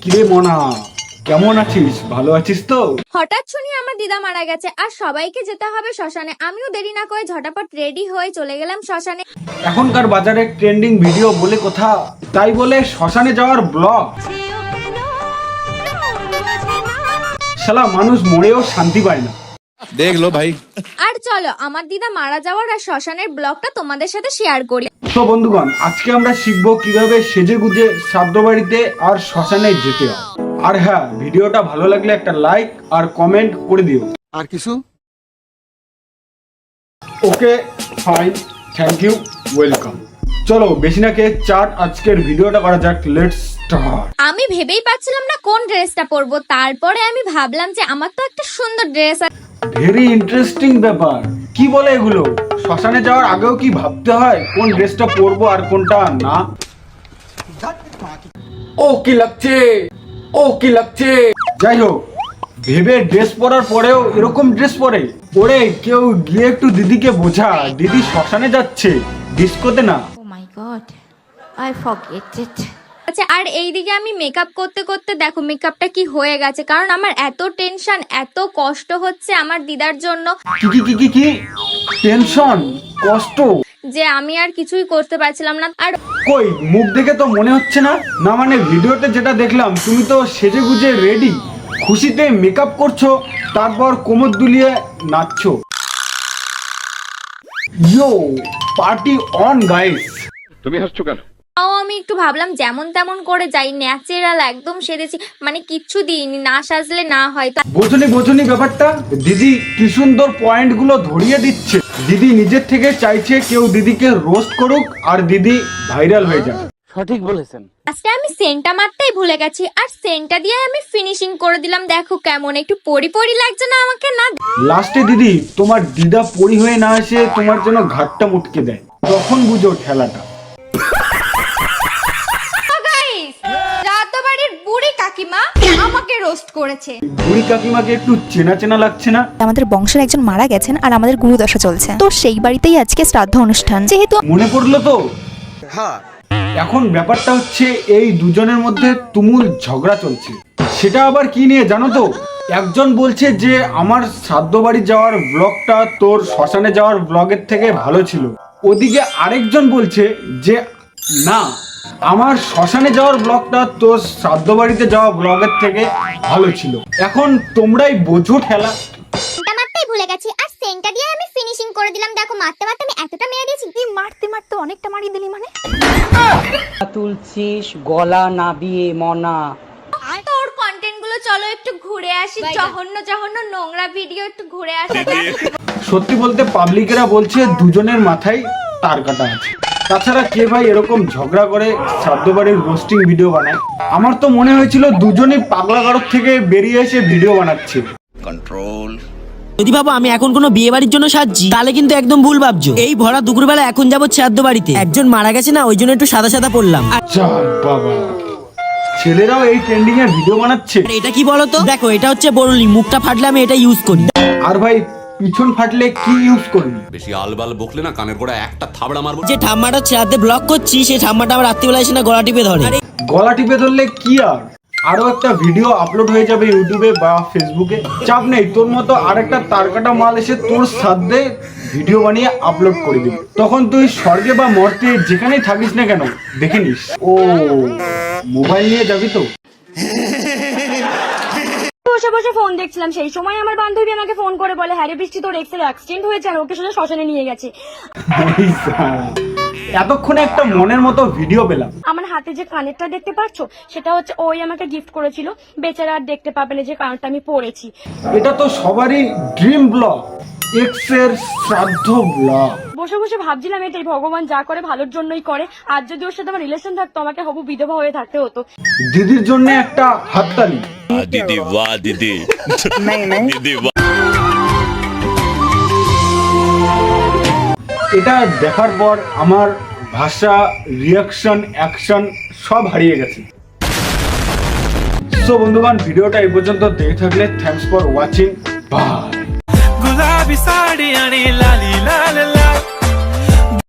কিরে মনা, কেমন আছিস? ভালো আছিস তো? হঠাৎ শুনি আমার দিদা মারা গেছে আর সবাইকে যেতে হবে শ্মশানে। আমিও দেরি না করে ঝটাপট রেডি হয়ে চলে গেলাম শ্মশানে। এখনকার বাজারে ট্রেন্ডিং ভিডিও বলে কথা, তাই বলে শ্মশানে যাওয়ার ব্লগ। শালা মানুষ মরেও শান্তি পায় না। দেখ লো ভাই। আর চলো আমার দিদা মারা যাওয়ার আর শ্মশানের ব্লগটা তোমাদের সাথে শেয়ার করি। তো বন্ধুগণ, আজকে আমরা শিখবো কিভাবে সেজে গুজে শ্রাদ্ধ বাড়িতে আর শ্মশানে যেতে হয়। আর হ্যাঁ, ভিডিওটা ভালো লাগলে একটা লাইক আর কমেন্ট করে দিও। আর কিছু? Okay fine, thank you, welcome. চলো বেশি না কে চাট, আজকের ভিডিওটা করা যাক। Let's start. আমি ভেবেই পাচ্ছিলাম না কোন ড্রেসটা পরবো, তারপরে আমি ভাবলাম যে আমার তো একটা সুন্দর ড্রেস আছে। ভেরি ইন্টারেস্টিং ব্যাপার। কি বলে এগুলো? শ্মশানে যাওয়ার আগেও কি ভাবতে হয় কোন ড্রেসটা পরবো আর কোনটা না? ও কি লাগছে, ও কি লাগছে। যাই হোক, ভেবে ড্রেস পরার পরেও এরকম ড্রেস পরে ওরে কেউ গিয়ে একটু দিদিকে বোঝা, দিদি শ্মশানে যাচ্ছে, ডিস্কোতে না। Oh my god, I forget it. আচ্ছা, আর এইদিকে আমি মেকআপ করতে করতে দেখো মেকআপটা কি হয়ে গেছে, কারণ আমার এত টেনশন, এত কষ্ট হচ্ছে আমার দিদার জন্য কি কি কি কি কি টেনশন, কষ্ট, যে আমি আর কিছুই করতে পারছিলাম না। আর কই মুখ দেখে তো মনে হচ্ছে না। না মানে ভিডিওতে যেটা দেখলাম, তুমি তো সেজে গুজে রেডি, খুশিতে মেকআপ করছো, তারপর কোমর দুলিয়ে নাচছো। Yo, party on guys. তুমি হাসছো কেন? তাও আমি একটু ভাবলাম যেমন তেমন করে যাই, ন্যাচারাল একদম সেজেছি, মানে কিচ্ছু দিইনি, না সাজলে না হয়। বোঝনি বোঝনি ব্যাপারটা। দিদি কি সুন্দর পয়েন্ট গুলো ধরিয়ে দিচ্ছে। দিদি নিজের থেকে চাইছে কেউ দিদিকে রোস্ট করুক আর দিদি ভাইরাল হয়ে যাক। সঠিক বলেছেন। আজকে আমি সেন্টটা মারতেই ভুলে গেছি, আর সেন্টটা দিয়ে আমি ফিনিশিং করে দিলাম। দেখো কেমন একটু পরি পরি লাগছে না আমাকে? না, লাস্টে দিদি তোমার দিদা পরি হয়ে না এসে তোমার জন্য ঘাটটা মুটকে দেয়, তখন বুঝো ঠেলাটা। রাতবাড়ির বুড়ি কাকিমা আমাকে রোস্ট করেছে। বুড়ি কাকিমাকে একটু চেনা চেনা লাগছে না? আমাদের বংশের একজন মারা গেছেন আর আমাদের গুরুদশা চলছে, তো সেই বাড়িতেই আজকে শ্রাদ্ধ অনুষ্ঠান। যেহেতু মনে পড়লো তো। এখন ব্যাপারটা হচ্ছে এই দুজনের মধ্যে তুমুল ঝগড়া চলছে। সেটা আবার কি নিয়ে জানো তো? একজন বলছে যে আমার শ্রাদ্ধ বাড়ি যাওয়ার ব্লগটা তোর শ্মশানে যাওয়ার ব্লগের থেকে ভালো ছিল। ওদিকে আরেকজন বলছে যে না, আমার শ্মশানে যাওয়ার ব্লগটা তোর শ্রাদ্ধ বাড়িতে যাওয়া ব্লগের থেকে ভালো ছিল। এখন তোমরাই বোঝো ঠেলা। সেন্টটা মারতেই ভুলে গেছি, আর সেন্টটা দিয়ে আমি ফিনিশিং করে দিলাম। দেখো মারতে মারতে আমি এতটা মেরে দিয়েছি। তুই মারতে মারতে অনেকটা মারিয়ে দিলি মানে। তুলছিস গলা নাবিয়ে মনা। তোর কন্টেন্ট গুলো চলো একটু ঘুরে আসি, জঘন্য জঘন্য নোংরা ভিডিও একটু ঘুরে আসি। সত্যি বলতে পাবলিকেরা বলছে দুজনের মাথায় তার কাটা আছে। তাছাড়া কে ভাই এরকম ঝগড়া করে শ্রাদ্ধ বাড়ির রোস্টিং ভিডিও বানায়? আমার তো মনে হয়েছিল দুজনেই পাগলাগারদ থেকে বেরিয়ে এসে ভিডিও বানাচ্ছে। যদি ভাবো আমি এখন কোনো বিয়ে বাড়ির জন্য সাজছি, তাহলে কিন্তু একদম ভুল ভাবছো। এই ভরা দুপুরবেলা এখন যাবো শ্রাদ্ধ বাড়িতে, একজন মারা গেছে না, ওই জন্য একটু সাদা সাদা পড়লাম। যাক বাবা, ছেলেরাও এই ট্রেন্ডিং এর ভিডিও বানাচ্ছে। আর এটা কি বলতো? দেখো এটা হচ্ছে বরুলি, মুখটা ফাটলে আমি এটা ইউজ করি। আর ভাই পিছন ফাটলে কি ইউজ করবি? বেশি আলবাল বকলে না কানের গোড়া একটা থাবড়া মারবো। যে ঠাম্মাটা শ্রাদ্ধে ব্লগ করছি, সেই ঠাম্মাটা আমার রাত্রিবেলা এসে না গলা টিপে ধরে। গলা টিপে ধরলে কি আর, আরো একটা ভিডিও আপলোড হয়ে যাবে ইউটিউবে বা ফেসবুকে। চাপ নেই, তোর মতো আরেকটা তারকাটা মাল এসে তোর সাথে ভিডিও বানিয়ে আপলোড করে দিবি। তখন তুই স্বর্গে বা মর্তে যেখানেই থাকিস না কেন দেখে নিস। ও মোবাইল নিয়ে যাবি তো? বসে বসে ফোন দেখছিলাম, সেই সময় আমার বান্ধবী আমাকে ফোন করে বলে, হ্যাঁ রে বৃষ্টি, তোর এক্সের অ্যাক্সিডেন্ট হয়েছে আর ওকে সোজা শ্মশানে নিয়ে গেছে। এতক্ষণে একটা মনের মতো ভিডিও পেলাম। আমার হাতে যে কানেরটা দেখতে পাচ্ছ, সেটা হচ্ছে ওই আমাকে গিফট করেছিল। বেচারা আর দেখতে পাবে না যে কানেরটা আমি পরেছি। এটা তো সবারই ড্রিম ব্লগ, এক্স এর শ্রাদ্ধ ব্লগ। বসে বসে ভাবছিলাম এটাই, ভগবান যা করে ভালোর জন্যই করে। আর যদি ওর সাথে আমার রিলেশন থাকতো, আমাকে হবু বিধবা হয়ে থাকতে হতো। দিদির জন্য একটা হাততালি। দিদি বাহ দিদি দিদি বাহ। এটা দেখার পর আমার ভাষা, রিয়াকশন, অ্যাকশন সব হারিয়ে গেছে। সো বন্ধুগণ, ভিডিওটা এই পর্যন্ত দেখে থাকলে থ্যাঙ্কস ফর ওয়াচিং। বাই। गुलाबी साड़ी आणि लाली लाल